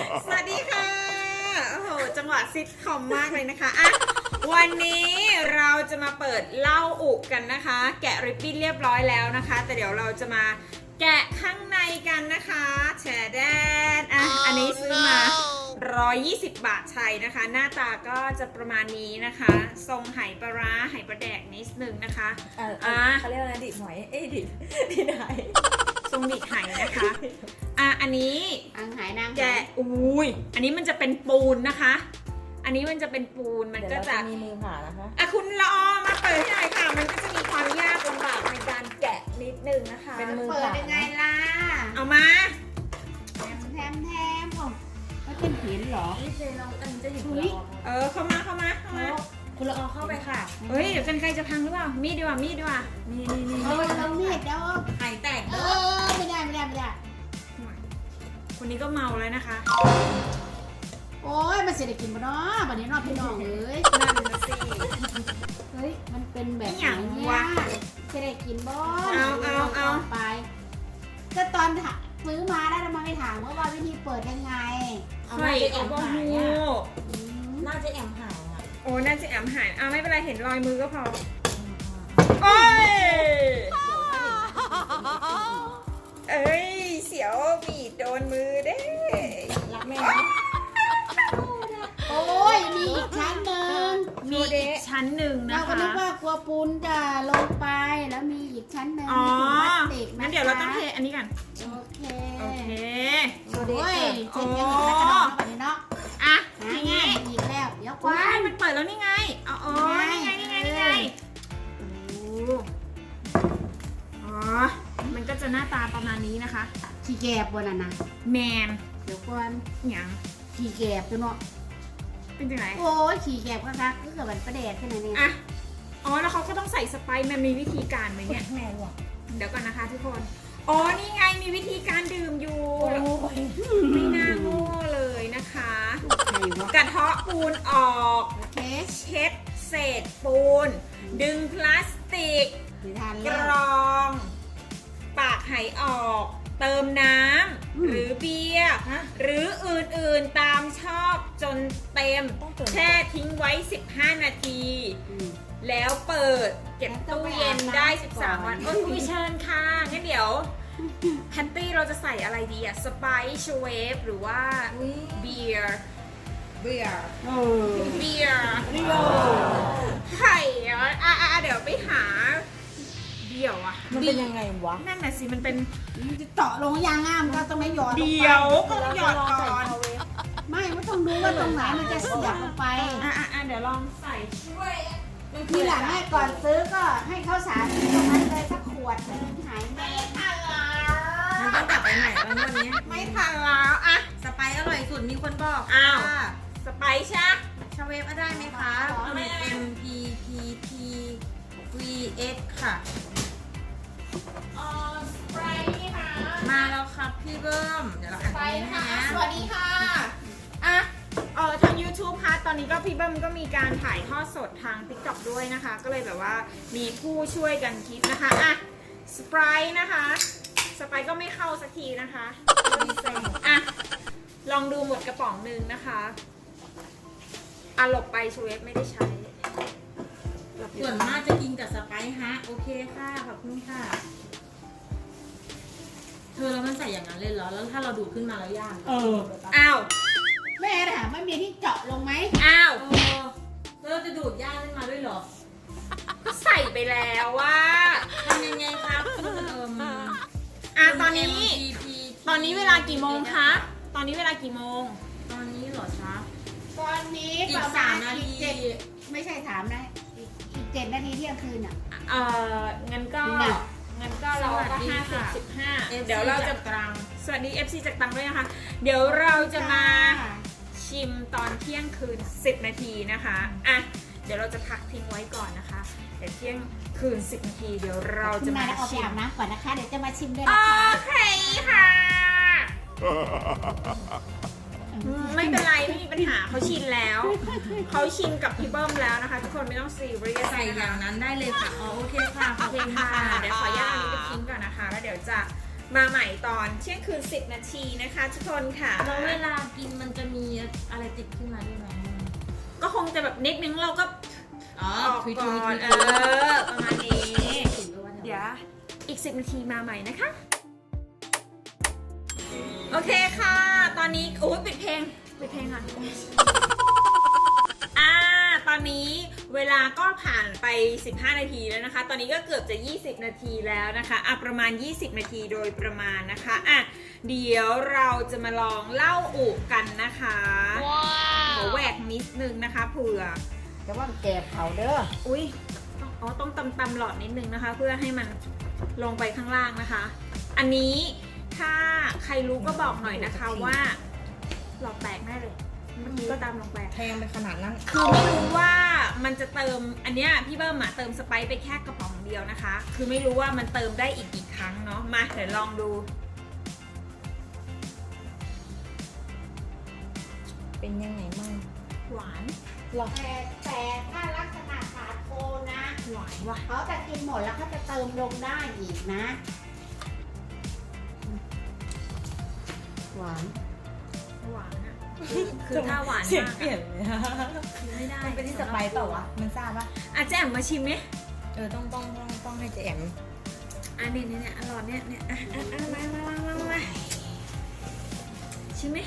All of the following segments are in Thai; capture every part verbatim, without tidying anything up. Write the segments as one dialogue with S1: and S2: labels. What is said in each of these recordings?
S1: สวัสดีค่ะโอ้โหจังหวะซิทคอมมากเลยนะคะอ่ะวันนี้เราจะมาเปิดเหล้าอุกันนะคะ แกะริบบิ้นเรียบร้อยแล้วนะคะ แต่เดี๋ยวเราจะมาแกะข้างในกันนะคะแชร์แดนอ่ะอันนี้ซื้อมาหนึ่งร้อยยี่สิบบาทไทยนะคะ หน้าตาก็จะประมาณนี้นะคะ ทรงไหปลาร้าไหปลาแดกนิดนึงนะคะ
S2: อ่า
S1: อ่ะ
S2: เขาเรียกว่าอะไรดิดหอยเอ้ยดิดดิดไห
S1: ทรงดิดไหนะคะอ่ะอันนี้
S3: นางหายนาง
S1: แกะอุ้ยอันนี้มันจะเป็นปูนนะคะ อันนี้มันจะเป็นปูน มัน
S2: เดี๋ยว
S1: ก็
S2: เรา
S1: จะ
S2: จะมีมือผ่านะคะ
S1: อ่ะคุณละออมาเปิดให้หน่อยค่ะ มันก็จะมีความยากลำบากในการแกะนิดนึงนะคะ
S2: เป็นมือ
S3: เปิดยังไงล่ะ
S1: เอามา
S3: แถมแถมแถมผมก็เป็นเห็นเหรอ
S2: นี่เจเราอันนี้จะหยิบ
S3: อุ๊
S2: คุณ
S3: ย
S2: ละออ
S1: เออเข้ามาเข้ามาเข้ามา
S2: คุณละออเข้าไปค่ะ
S1: เฮ้ยเดี๋ยวกันไกลจะพังหรือเปล่า มีดดีกว่า มีดดีกว่า
S2: นี่นี่นี่
S3: เออเรามีดแล้ว
S2: ไข่แตก
S3: เอ
S2: เด้อ
S3: อไม่ได้ไม่ได้ไม่ได้
S1: คนนี้ก็เมาแล้วนะคะ
S3: โอ้ยมันเสร็จได้กินปะเนาะวันนี้นอกพี่น้องเลย
S1: นั่นนะสิ
S3: เฮ้ยมันเป็นแบบ
S1: อ
S3: ไหน
S1: ย่าง
S3: เนี่
S1: วะ
S3: ยจะได้กินบ่
S1: เอาเอาเอา
S3: ไปก็ตอนซื้อมาได้ทำไมไม่ถามว่าว่าวิธีเปิดยังไง
S2: เอา
S1: ไข่
S2: น่าจะแอ
S1: เอา
S2: ม
S1: บะ
S2: หาย
S1: ฮู
S2: อ่ะ
S3: อืม
S2: น่าจะแอมหายอ่ะ
S1: โอ้น่าจะแอมหายอ่ะไม่เป็นไร เห็นรอยมือก็พอ โอ้ย เอ้ย เสียวมีดโดนมือเด้
S2: รักแม่ไหม
S3: โอ้ยมีอีกชั้นหนึ่ง
S1: มีอีกชั้นหนึ่ง
S3: เรา
S1: นะ
S3: ก็
S1: คะ
S3: นึกว่ากลัวปูนจะลงไปแล้วมีอีกชั้นหนึ่ง
S1: อ๋อ
S3: มีถุงพลาสติกนะคะ
S1: งั้นเดี๋ยวเราต้องเทอันนี้ก่อน
S3: โอเค
S1: โอเค
S3: โอ้ยเช็ดยังไงแล้วก็นอนเข้าไปเนาะ
S1: อ่ะ
S3: หา
S1: ที
S3: ง่า
S1: นี้
S3: ยอีกแล้ว เดี๋ยวค
S1: ว้า
S3: วั
S1: ย
S3: น
S1: มันเปิดแล้วนี่ไงอ๋ออ๋อนี่ไง นี่ไง นี่ไง โอ้อ๋อ มันก็จะหน้าตาประมาณนี้นะคะ
S3: ขี้แกบบนน่ะนะ
S1: แมน
S3: เดี๋ยวก่อน
S1: หยัง
S3: ขี้แกบตัวเนาะ
S1: เป็นจังไหน
S3: โอ้ยขี้แกบก็คักก็เกิดมันประเดดขึ้นมาเนี่ย
S1: อ่ะ อ๋อ แล้วเขาก็ต้องใส่สไปซ์มันมีวิธีการไหมเนี่ย
S2: แม่หรอ
S1: เดี๋ยวก่อนนะคะทุกคน อ๋อ นี่ไง มีวิธีการดื่มอยู่
S2: โอ้ย
S1: ไม่น่าโง่เลยนะคะ
S3: ใครวะ
S1: กระเทาะปูนออก
S3: โอเค
S1: เช็ดเศษปูน ดึงพลาสติก
S3: ถือทาน
S1: ก
S3: แล้ว
S1: รอง ปากไหออก เติมน้
S3: อืม
S1: ำหรือเบียร์หรืออื่นๆตามชอบจนเต็ม
S2: ต้องเติม
S1: แช่ทิ้งไว้ สิบห้า นาที
S3: อืม
S1: แล้วเปิดเก็บตู้เย็นได้ สิบสาม วัน
S3: ก่
S1: โอ้
S3: อน
S1: ยคุยเชิญค่ะ งั้นเดี๋ยวแพนตี้เราจะใส่อะไรดีอะสไปซ์เวฟหรือว่า
S2: อุ้ย
S1: เบียร์
S2: เบื่อ
S3: เออ
S1: เบียร์
S2: เรียว
S1: ไข่อ่ะอ่ะอ่ะเดี๋ยวไปหาเดี่ยวอ่ะ
S2: มันเป็นยังไงวะ
S1: นั่นน่ะสิ มันเป็น
S3: มันจะเจาะลงยางงามก็ต้องไม่หยอดลงไป
S1: เดี่ยวก็ต้องหยอดก่อน
S3: ไม่ไม่ต้องดูว่าตรงไหนมันจะเสียบลงไป
S1: อ่ะอ่ะอ่ะเดี๋ยวลองใส่ช่วย
S3: ทีหลังให้ก่อนซื้อก็ให้ข้าวสารตรงนั้นเลยสักขวดหนึงหายแม่
S1: ทันแล้ว
S2: มันต้องกลับไปไหนแล้ววันนี้
S1: ไม่ทันแล้วอ่ะ
S2: สไปซ์อร่อยสุดมีคนบอก
S1: อ้าว
S2: ค่ะ
S1: สไปซ์ใช่
S2: ชาเวฟได้ไหมคะคุณ M P P T V X ค่ะ
S1: อ๋อสไปซ์ค่ะ
S2: มาแล้วครับพี่เบิ้ม เดี๋ยวเราอ่าน
S1: ส
S2: ต
S1: ไป
S2: รงนี้
S1: ซ์
S2: ให้
S1: ค่ะ
S2: นะ
S1: สวัสดีค่ะ อ่ะเออทาง YouTube ค่ะ ตอนนี้ก็พี่เบิ้มก็มีการถ่ายทอดสดทาง TikTok ด้วยนะคะ ก็เลยแบบว่ามีผู้ช่วยกันคิดนะคะ อ่ะ สไปซ์นะคะ สไปซ์ก็ไม่เข้าสักทีนะคะอ่ะ ลองดูหมดกระป๋องหนึ่งนะคะอ่ะหลบไปชูเวฟไม่ได้ใช้หลบอยู่
S2: ส่วนมากจะกินกับสไปซ์ฮะ โอเคค่ะ ขอบคุณค่ะ เธอแล้วมันใส่อย่างนั้นเลยเหรอ แล้วถ้าเราดูดขึ้นมาแล้วย่าง
S3: เออ
S1: อ้าว
S3: แม่ถามว่ามีที่เจาะลงไหม
S1: อ้าว
S2: เออแล้วเราจะดูดย่างขึ้นมาด้วยเหรอ
S1: ก็ใส่ไปแล้วว่า
S2: ทำยังไงครับคุณเอิม
S1: อ่ะตอนนี้
S2: M P P
S1: ตอนนี้เวลากี่โมงคะ ตอนนี้เวลากี่โมง
S2: ตอนนี้เหรอคะ
S3: ตอนนี้
S2: อี
S3: ป
S2: ก
S3: ระ
S2: สาม
S3: ณ
S2: นาที
S3: อีกเจ็ดไม่ใช่ถามนะอีกอีกเจ็ดนาทีเที่ยงคืนอ่ะ
S1: เอ่องั้นก็
S3: น่ะ
S1: งั้นก็เราก็ห้าสิบสิบห้า
S2: เอฟซี
S1: เดี๋ยวเราจะ
S2: จากตรัง
S1: สวัสดี เอฟ ซี จากตังด้วยนะคะ เดี๋ยวเราจะมาชิมตอนเที่ยงคืน สิบ นาทีนะคะ อ่ะ เดี๋ยวเราจะพักทิ้งไว้ก่อนนะคะ เดี๋ยวเที่ยงคืน สิบ นาที เดี๋ยวเรา
S3: คุ
S1: จะ
S3: ณนาม
S1: าย
S3: แล้วเอาไป
S1: ชิม
S3: อาบน้ำก่อนนะคะ เดี๋ยวจะมาชิมด้วย
S1: โอ
S3: นะคะ
S1: เคค่ะ ไม่เป็นไรไม่มีปัญหาเขาชินแล้ว เขาชินกับพี่เบิ้มแล้วนะคะ ทุกคนไม่ต้องซีเรียส
S2: ใส่อย่างนั้นได้เลยค่ะ อ๋อโอเคค่ะ ข
S1: โอ
S2: อบ
S1: เค
S2: คุณ
S1: ค่ะ
S2: ค่ะ
S1: เดี๋ยวขออนุญาตอันนี้ไปทิ้งก่อนนะคะ แล้วเดี๋ยวจะมาใหม่ตอนเที่ยงคืนสิบนาทีนะคะทุกคนค่ะ
S2: แล้วเวลากินมันจะมีอะไรติดขึ้นมาด้วยไหม
S1: ก็คงจะแบบนิดนึงเราก็
S2: อ๋อ
S1: ออก
S2: คุย
S1: ก่
S2: คุย
S1: อ
S2: คุ
S1: น
S2: ย
S1: เออประมาณนี้
S2: ถึงด้วยว่า
S1: เดี๋ยวอีกสิบนาทีมาใหม่นะคะ โอเคค่ะ ตอนนี้โอ้ยปิดเพลงปิดเพลงค่ะอ่าตอนนี้เวลาก็ผ่านไปสิบห้านาทีแล้วนะคะ ตอนนี้ก็เกือบจะยี่สิบนาทีแล้วนะคะอ่ะประมาณยี่สิบนาทีโดยประมาณนะคะอ่ะเดี๋ยวเราจะมาลองเล่าอุกันนะคะขอแหวกนิดนึงนะคะเผื่อ
S3: แต่ว่าแกบเขาเด้อ
S1: อุ้ยอ๋อต้องตำตำหลอดนิดนึงนะคะ เพื่อให้มันลงไปข้างล่างนะคะ อันนี้ถ้าใครรู้ก็บอกหน่อยนะคะว่าหลอดแตกแน่เลยเมื่อกี้ก็ตามลงไป
S2: แพงไปขนาดนั้น
S1: คือไม่รู้ว่ามันจะเติมอันเนี้ยพี่เบิ้มอะเติมสไปซ์ไปแค่กระป๋องเดียวนะคะ คือไม่รู้ว่ามันเติมได้อีกกี่ครั้งเนาะมาเดี๋ยวลองดู
S2: เป็นยังไงมั่ง
S1: หวาน
S2: หรอ
S3: แต่แต่ถ้าลักษณะสาโทนะ
S1: หวานว่ะ
S3: เขาจะกินหมดแล้วเขาจะเติมลงได้อีกนะ หวาน
S1: หวานอะคือคือถ้าหวาน
S2: เสียง
S1: มาก
S2: เปลี่ยน
S1: อะ
S2: เลย
S1: คือไม่ได้
S2: มันเป็นที่สไปซ์เปล่าวะมันทราบปะ
S1: อ่ะแจ่มมาชิมไหม
S2: เออต้องต้องต้องต้องให้เจแอม
S1: อันนี้เนี่ยเนี่ยอร่อยเนี่ยเนี่ยอ่ะอ่ะอ่ะมามามามามาชิมไหม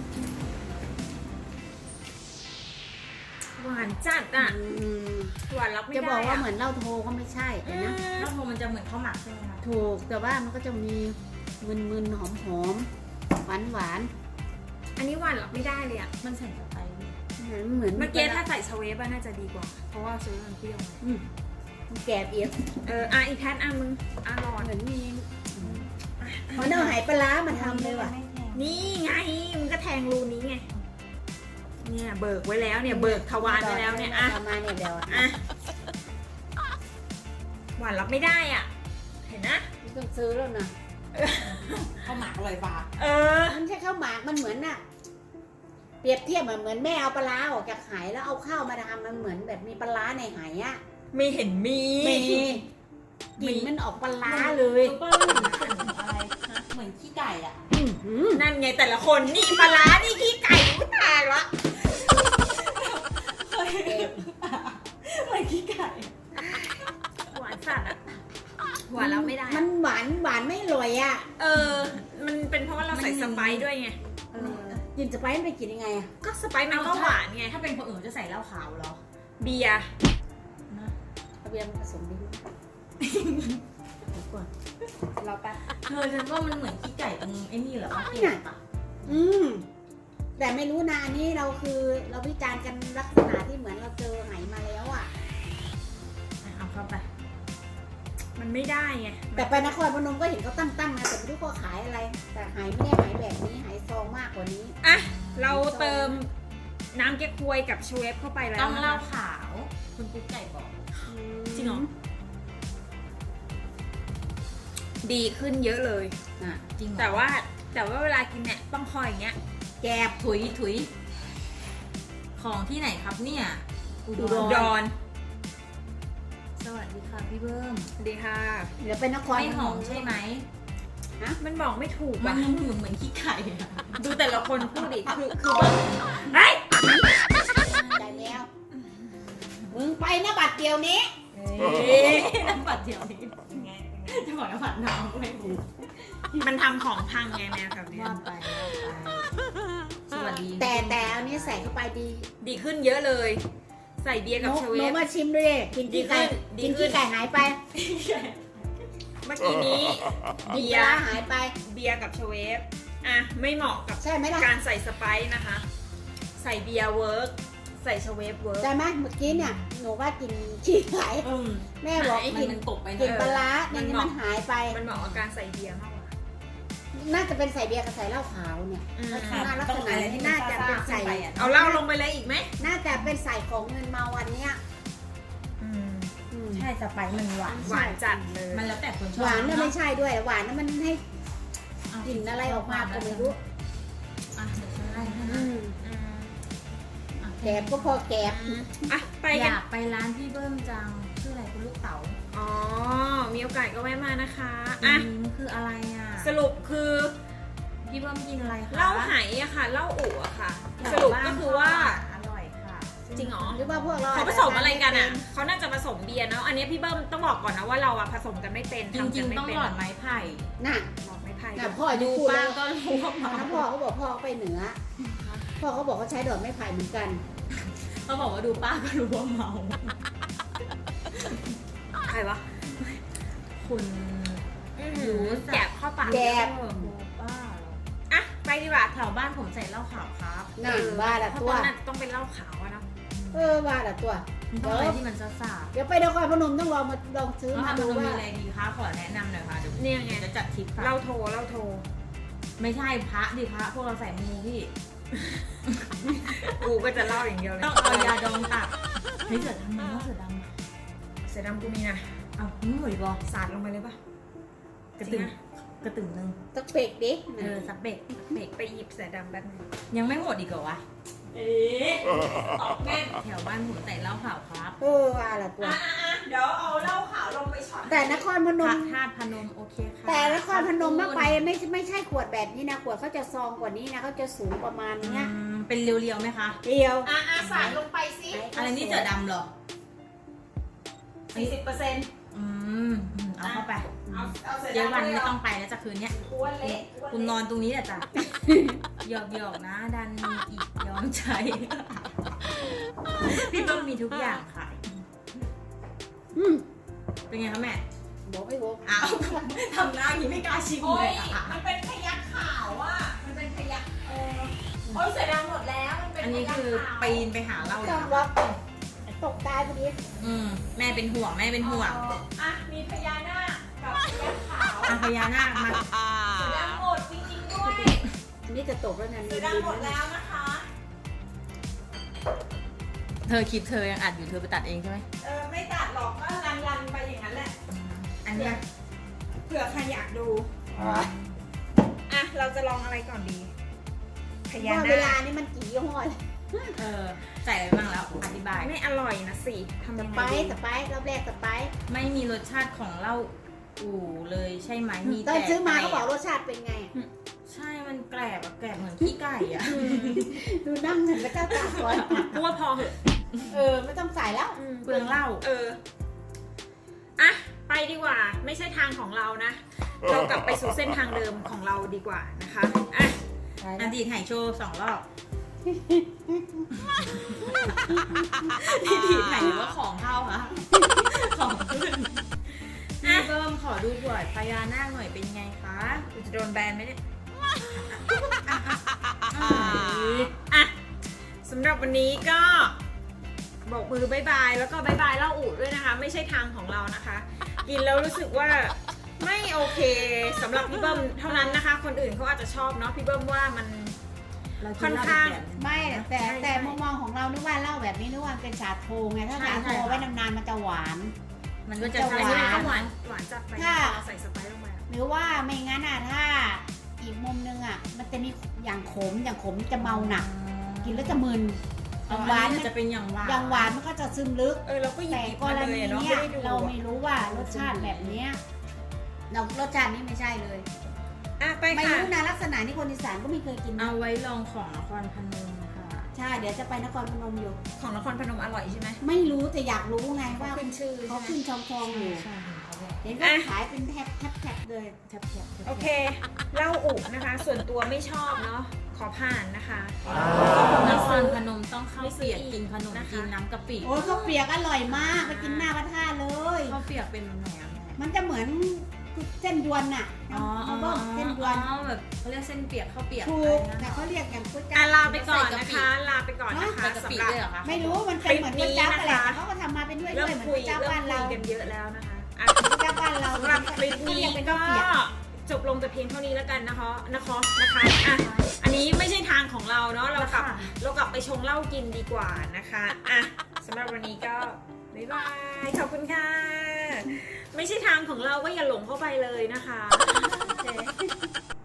S1: หวานจัดอ่ะ
S3: อืม
S1: หวานรับไม่ได้
S3: จะบอกว่าเหมือนเหล้าโทก็ไม่ใช่
S1: อื
S3: แต่
S1: ม
S3: นะ
S2: แล้วพอมันจะเหมือนข้าวหมักใช่ไหมคะ
S3: ถูกแต่ว่ามันก็จะมีมึนๆหอมๆหวานหวาน
S1: อันนี้หวานรับไม่ได้เลยอ่ะ
S2: มันใส่สไปซ์
S3: ๆเหมือนเหมือน
S1: เมื่อกี้ถ้าใส่ชาเวฟอะน่าจะดีกว่า เพราะว่าชาเวฟมันเปรี้ยวไง
S3: อืมมันแกบเอียด
S1: เอออ่ะอีกแพทอ่ะมึงอ่ะรอ
S3: เหมือนมีเขาเอาหายปลาร้ามาทำเลยว่ะ
S2: ไม่แพง
S1: นี่ไงมึงก็แทงรูนี้ไงเนี่ยเบิกไว้แล้วเนี่ยเบิกทวารไว้แล้วเนี่ยอ่ะ
S3: ประมาณเนี่ยเดียวอะ
S1: อ่ะหวานรับไม่ได้อ่ะ เห็นนะ
S3: ไม่ต้องซื้อแล้วนะ
S2: ข้าวหมักอร่อยปะ
S1: เออ
S3: มันไม่ใช่ข้าวหมากมันเหมือนน่ะ เปรียบเทียบเหมือนแม่เอาปลาร้าออกจากไหแล้วเอาข้าวมาทำมันเหมือนแบบมีปลาร้าในไหอะ
S1: ไม่เห็นมี
S3: มีกลิ่นมันออกปลาร้าเลย
S2: รู้ป่ะเหมือนอะไรฮะเหมือนขี้ไก่อ่ะ
S3: อื้อหือ
S1: นั่นไงแต่ละคนนี่ปลาร้านี่ขี้ไก่กูตายละ
S2: เหมือนขี้ไก่
S1: หวานสัตว์อะหวานรับไม่ได้
S3: มันหวานหวานไม่อร่อยอ่ะ
S1: เออ มันเป็นเพราะว่าเราใส่สไปซ์ด้วยไง
S3: เออกินสไปซ์มันไปกินยังไงอ่ะ
S1: ก็สไปซ์มันก็หวานไง
S2: ถ้าเป็นคนอื่นจะใส่เหล้าขาวเหรอ
S1: เบียร์
S2: นะ
S3: เอาเบียร์มาผสมดิเดี๋ยวก่อนเราแป๊บ
S2: เธอฉันว่ามันเหมือนขี้ไก่ตรงไอ้นี่เหรอวะ
S3: ไม่น่ะ อืมแต่ไม่รู้นะอันนี้เราคือเราวิจารณ์กันลักษณะที่เหมือนเราเจอไหมาแล้วอ่ะ
S2: เอาเข้าไป
S1: มันไม่ได้ไง
S3: แต่ไปนครพนมก็เห็นเขาตั้งๆนะแต่ไม่รู้เขาขายอะไร แต่ไหไม่ได้ไหแบบนี้ไหซองมากกว่านี้
S1: อ่ะ เราเติมน้ำแก้ควยกับชเวฟเข้าไปแล้ว
S2: ต้องเหล้า
S1: นะคะ
S2: ขาว คุณกุ๊กไก่บอก
S1: จริงเหรอ ดีขึ้นเยอะเลย
S3: อ่ะ
S2: จริงเหรอ
S1: แต่ว่าแต่ว่าเวลากินเนี่ยต้องคอยอย่างเงี้ย
S3: แกบ
S2: ถุยถุย ของที่ไหนครับเนี่ยอุ
S3: อุ
S2: ด
S3: ด
S2: ร
S3: ร
S1: ดอน
S2: สวัสดีค่ะพี่เบิ้ม
S1: สวัสดีค่ะ
S3: เดี๋ยวไปนคร
S2: ไม่หอมใช่ไหม
S1: มันบอกไม่ถูก
S2: มั
S1: ว่ะ
S2: นเหมือนเหมือนขี้ไก่อะ
S1: ดูแต่ละคนพูดดิ คือคือว่าเฮ้ย
S3: ได้แล้ว มึงไปนะบัตรเดียวนี้
S2: เอ้ยน้ำปัดเดียวนี้จะบอกน้ำปัดน้ำไม่ถูก
S1: มันทำของพังไงแมวแบบเนี้ย
S2: ว่าไปว่าไปสวัสดี
S3: แต่แต่อันนี้ใส่เข้าไปดี
S1: ดีขึ้นเยอะเลย ใส่เบียร์
S3: ห
S1: กับ
S3: นู
S1: ช
S3: ห
S1: เว
S3: นู
S1: ฟ
S3: มาชิมด้วยกินขี้ไก่
S1: ดี
S3: กิน
S1: ขึ้
S3: ขี้
S1: น
S3: ไก่หายไป
S1: เมื่อกี้นี้
S3: กิน
S1: เบี
S3: ป
S1: ย
S3: ลา
S1: ร์
S3: หายไป
S1: เบียร์กับชเวฟอ่ะไม่เหมาะกับ
S3: ใช่ไหมล่ะ
S1: การใส่สไปซ์นะคะ ใส่เบียร์เวิร์กใส่ชเวฟเวิร์ก
S3: ใช่ไหมเมื่อกี้เนี่ยหนูว่ากินขี้ไก่
S2: อืม
S3: แม่บอก
S1: ไหน
S3: กิน
S2: มันตกไป
S3: กิน
S2: เน
S3: ปลา
S2: อะ
S3: ร้า
S1: มั
S3: มัน น
S1: เหมาะ
S3: มันหายไป
S1: มันเหมาะกับการใส่เบียร์มากกว่า
S3: น่าจะเป็นใส่เบียร์กับใส่เหล้าขาวเนี่ย
S1: อืม
S3: ลักษณะลักษณะนี้น่าจะเป็นใส่
S1: เอาเหล้าลงไปเลยอีกไหม
S3: น่าจะเป็นใส่ของเงินเมาวันเนี้ย
S1: อืม
S3: อืม
S2: ใช่สไปซ์มันหวาน
S1: หวานจัดเลย
S2: มันแล้วแต่คนชอบ
S3: หวานน่ะ
S2: เอะ
S3: ไม่ใช่ด้วยหวานน่ะมันให้
S2: เอา
S3: กลิ่นอะไรออกมาก็ไม่รู้
S2: อ่ะเดี๋ยวฉันไล่ให้
S3: อื
S2: นะ
S3: ม
S1: อืม
S2: อ่ะ
S3: แกบก็พอแกบ
S1: อืมอ่ะไป
S2: อ
S1: กัน
S2: ยากไปร้านพี่เบิ้มจังชื่ออะไรคุณลูกเต๋า
S1: อ๋อ มีโอกาสก็แวะมานะคะ
S2: อ่ะ
S1: อ่ะ
S2: มันคืออะไรอ่ะ
S1: สรุปคือ
S2: พี่เบิ้มกินอะไรคะ
S1: เหล้าไหอะค่ะเหล้าอู่อะค่ะ สรุปก็คือว่า
S2: อร่อยค่ะ
S1: จริงเหรอ
S3: หรือว่าพวกเรา
S1: เขาผสมอะไรกันอ่ะเขาน่าจะผสมเบียร์เนาะอันนี้พี่เบิ้มต้องบอกก่อนนะว่าเราอะผสมกันไม่เป็น
S2: จ
S1: ทำ
S2: ริ
S1: กั
S2: ง
S1: นไม่
S2: ๆต้อง
S1: เป็น
S2: หลอดไม้ไผ่
S3: น่ะ
S1: หลอดไม้ไผ่
S3: น่ะพ่อจะ
S2: ดู
S3: พูด
S2: ป้า
S3: แล้ว
S2: ก็รู้ว่าเมา
S3: ถ้าพ่อเขาบอกพ่อเขาไปเหนือ พ่อเขาบอกเขาใช้ดอกไม้ไผ่เหมือนกัน
S2: เขาบอกว่าดูป้าก็รู้ว่าเมา
S1: ใครวะ
S2: คุณ
S1: รู้แกะเข้าปาก
S3: แกะ
S2: เออป้าเหรอ
S1: อ่ะไปดีกว่า
S2: แถวบ้านผมใส่เหล้าขาวครับ
S3: นั่นว่าละ
S1: เพราะ
S3: ตัว
S1: ตอนนั้นต้องเป็นเหล้าขาวอะเนาะ
S3: เออว่าละตัว
S2: มันต้องอะไรที่มันซ่าซ่า
S3: เดี๋ยวไปนครพนมต้องลองมาลองซื้อ
S2: แล้ว
S3: มา
S2: ทำ
S3: ดู
S2: มันมี
S3: ว่า
S2: อะไรดีคะขอแนะนำหน่อยค่ะเดี๋ยว
S1: เนี่ยไง
S2: จะจัดทริปค่ะ
S1: เหล้าโทเหล้าโท
S2: ไม่ใช่พระดิพระพวกเราใส่มูพี่
S1: กูก็จะเล่าอย่างเดียวเลย
S2: ต้องเอายาดองตัดเฮ้ยเสือดำนะเสือดำ
S1: เสือดำกูมีนะ
S2: เอาหน่วยบอ
S1: สาดลงไปเลยปะ
S2: กระตึง
S1: จริงอะ
S2: กระตึงหนึง
S3: ตะเปกดิ
S2: เออสักเบกเบก
S1: ไปหยิบเสือดำแป๊บนึง
S2: ยังไม่หมดอีกเหรอวะ
S1: เอ๊ะตอบแม่น
S2: แถวบ้านผมใส่เหล้าขาวครับ
S3: เออว่าละตัว
S1: อ่ะอ่ะเดี๋ยวเอาเหล้าขาวลงไปช็อต
S3: แต่นครพน
S2: พระ
S3: ม
S2: ธาตุพนมโอเคค่ะ
S3: แต่นครพนมมากไปไม่ไม่ใช่ขวดแบบนี้นะขวดเขาจะซองกว่านี้นะเขาจะสูงประมาณ
S2: อื
S3: เนี้ย
S2: มเป็นเรียวๆไหมคะ
S3: เดียว
S1: อ่ะอ่ะสาดลงไปสิ
S2: อะไรนี่เสือดำเหรอ
S1: สี่สิบเปอร์เซ็นต์
S2: อืมอืมเอาเข้าไป
S1: เอาเอาเสือ
S2: เดี๋ยว
S1: ดำ
S2: วัน
S1: เลย
S2: ไม่
S1: เหร
S2: ต้
S1: อ
S2: องไปแล้วจากคืนเนี้ย
S1: กลัวเละกลัว
S2: คุณน
S1: เละ
S2: อนตรงนี้แหละจ้ะ หยอกหยอกๆนะ ดันมีอีกยอมใจ พี่ต้องมีทุกอย่างค่ะ
S3: อืม
S2: เป็นไงคะแม่
S3: บอกไม่บอก
S2: อ้าว ทำหน้าอย่างนี้ไม่กล้าชิม
S1: โอ้
S2: เลย ยอะ
S1: มันเป็นขยักขาวอ่ะ มันเป็นขยักเออโอ้ยเสือดำหมดแล้ว มันเป็น
S2: อันนี้
S1: ขยัก
S2: คือ
S1: ขาว
S2: ปีนไปหาเราเลย
S3: ต้อง
S2: เหร
S3: ล็
S2: อ
S3: อกตกตายพอดี
S2: อืมแม่เป็นห่วงแม่เป็นห่วง
S1: อ่ะ มีพญานาคกับพยักขาว
S2: อาพญานาคมา
S1: เสือดำหมดจริงๆด้วย
S3: อันนี้จะตกแล้วนะ
S1: เสือดำหมดแล้วนะคะ
S2: เธอคลิปเธอยังอัดอยู่เธอไปตัดเองใช่ไหม
S1: เออ ไม่ตัดหรอกก็รันรันๆไปอย่างนั้นแหละ
S2: อันเนี้ย
S1: เผื่อใครอยากดู อ่ะ เราจะลองอะไรก่อนดี พญา
S3: ว่าเวลา
S1: นาค
S3: นี่มันกี่ยี่ห้อเลย
S2: เออใส่อะไรบ้างแล้วอธิบาย
S1: ไม่อร่อยนะสิทำ
S3: ส
S1: ยัง
S3: ไป
S1: ไง
S3: ซ์
S1: ดี
S3: สไปซ์รอบแรกสไปซ์
S2: ไม่มีรสชาติของเหล้าอู่เลยใช่ไหมมี
S3: ตอน
S2: แต่
S3: ซื้อมา
S2: ไ
S3: เขาบอกรสชาติเป็นไงอะ
S2: ใช่มันแกลบอะแกลบเหมือนขี้ไก่อะ
S3: ดูนั่งเงินพระเจ้าตากก่อน
S1: กูว่าพอเหอะ
S3: เออไม่ต้องใส่แล้ว
S2: เปลืองเหล้า
S1: เออ อ่ะ ไปดีกว่า ไม่ใช่ทางของเรานะ เรากลับไปสู่เส้นทางเดิมของเราดีกว่านะคะ อ่ะ
S2: อดีตไหโชว์สองรอบที่ดีดไหหรือว่าของเข้าคะของขึ้นพี่เบิ้มขอดูบวชพญานาคหน่อยเป็นไงคะ
S1: กูจะโดนแบนไหมเนี่ย
S2: อ่า
S1: อ่ะสำหรับวันนี้ก็บอกมือบายบายแล้วก็บายบายเล่าอูดด้วยนะคะ ไม่ใช่ทางของเรานะคะ กินแล้วรู้สึกว่าไม่โอเคสำหรับพี่เบิ้มเท่านั้นนะคะ คนอื่นเขาอาจจะชอบเนาะพี่เบิ้มว่ามัน
S2: เรกิ
S1: ค่อน
S2: เหล้
S1: ข้าง
S2: แบบนึ
S3: ไม่แต่
S1: ใช่
S3: แต่
S1: ใช่
S3: มุมมองของเรานึกว่าเหล้าแบบนี้นึกว่าเป็นชาโทไงถ้า
S2: ใช่
S3: ชาโท
S2: ใช่ค่ะ
S3: ไว้นานๆมันจะหวาน
S2: มันก็จะ
S3: จะ
S1: อัน
S2: ใช่
S1: นี้มัน
S3: ห
S1: ก็
S3: น
S1: หวานหวานจัดไป
S3: ถ้า
S1: ใส่สไปซ์ลงไปอะ
S3: หรือว่าไม่งั้นอ่ะถ้าอีกมุมนึงอ่ะ มันจะมีอย่างขมอย่างขมจะเมาหนัก กินแล้วจะมึนอ
S2: อ๋อย่าง
S3: หวาน
S2: อัน
S3: มั
S2: นี้
S3: น
S2: จะเป็นอย่างหวาน
S3: อย่างหวานมันก็จะซึมลึก
S1: เออเราก็หยิ
S3: แต่
S1: บ
S3: ก
S1: มาร เล
S3: ณี
S1: ยเนาะ
S3: เนี้
S1: ไม่
S3: ย
S1: ได้ดู
S3: เรา
S1: อะ
S3: ไม่รู้ว่ารสชาติแบบเนี้ยเรารสชาตินี้ไม่ใช่เลย
S1: อ่ะไป
S3: ไม่
S1: ค่ะ
S3: รู้นะลักษณะนี้คนอีสานก็ไม่เคยกินนะ
S2: เอาไว้ลองของนครพนมค่ะ
S3: ใช่เดี๋ยวจะไปนครพนมอยู่
S1: ของนครพนมอร่อยใช่ไหม
S3: ไม่รู้แต่อยากรู้ไงว่า
S1: ขึ้นชื่อ
S3: เขา
S1: ใช่ไหม
S3: ขึ้นชองทองๆอยู่
S2: ใช่เขาบอก
S3: เห็นว่าขายเป็นแท็บแท็บแท็บเลย
S2: แทบแทบ
S1: โอเคเหล้าอุนะคะ ส่วนตัวไม่ชอบเนาะขอผ่านนะคะ
S2: นครพนมต้องข้าวเปียกกินขนม
S1: นะคะ
S2: กินน้ำกะปิ
S3: โอ้ยข้าวเปียกอร่อยมากไปกินหน้าพระธาตุเลย
S2: ข้าวเปียกเป็นแบบไหนอะแม่
S3: มันจะเหมือนเส้นยวนน่ะ
S2: อ๋ออ๋อ
S3: น้ำเบิ้มเส้นยวน
S2: อ๋อแบบเขาเรียกเส้นเปียกข้าวเปียก
S3: ถูก
S2: อะไร
S3: แต่
S2: นะ
S3: เขาเรียกอย่างก๋วยจั๊
S1: อ่ะ
S3: บ
S1: ลาไปก่อนนะคะ ลาไปก่อนนะคะ
S2: ใส่กะปิ
S1: สำหรับ
S2: ด้วยเหรอคะ
S3: ไม่รู้มันเป็นเหมือนก๋วยจั๊บอะไร
S1: คลิปนี้นะคะ
S3: แต่เขาก็ทำมาเป็นด้วย
S1: เริ่
S3: ด้
S1: ม
S3: วยเหมือน
S1: คุ
S3: ก๋
S1: ย
S3: วยจั๊บ
S1: เริ่
S3: บ้าม น
S1: คุ
S3: เรา
S1: ยกันเยอะแล้วนะคะอ่ะ
S3: ก๋วยจั๊บบ้านเรา
S1: สำหรับคลิปนี้
S3: เรียเป็น
S1: ก็
S3: ข้าวเปียก
S1: จบลงแต่เพียงเท่านี้แล้วกันนะคะนะคะนะคะอ่ะอันนี้ไม่ใช่ทางของเราเนาะเรากลับเรากลับไปชงเหล้ากินดีกว่านะคะอ่ะสำหรับวันนี้ก็บ๊ายบายขอบคุณค่ะ ไม่ใช่ทางของเราก็อย่าหลงเข้าไปเลยนะคะ
S3: โอเค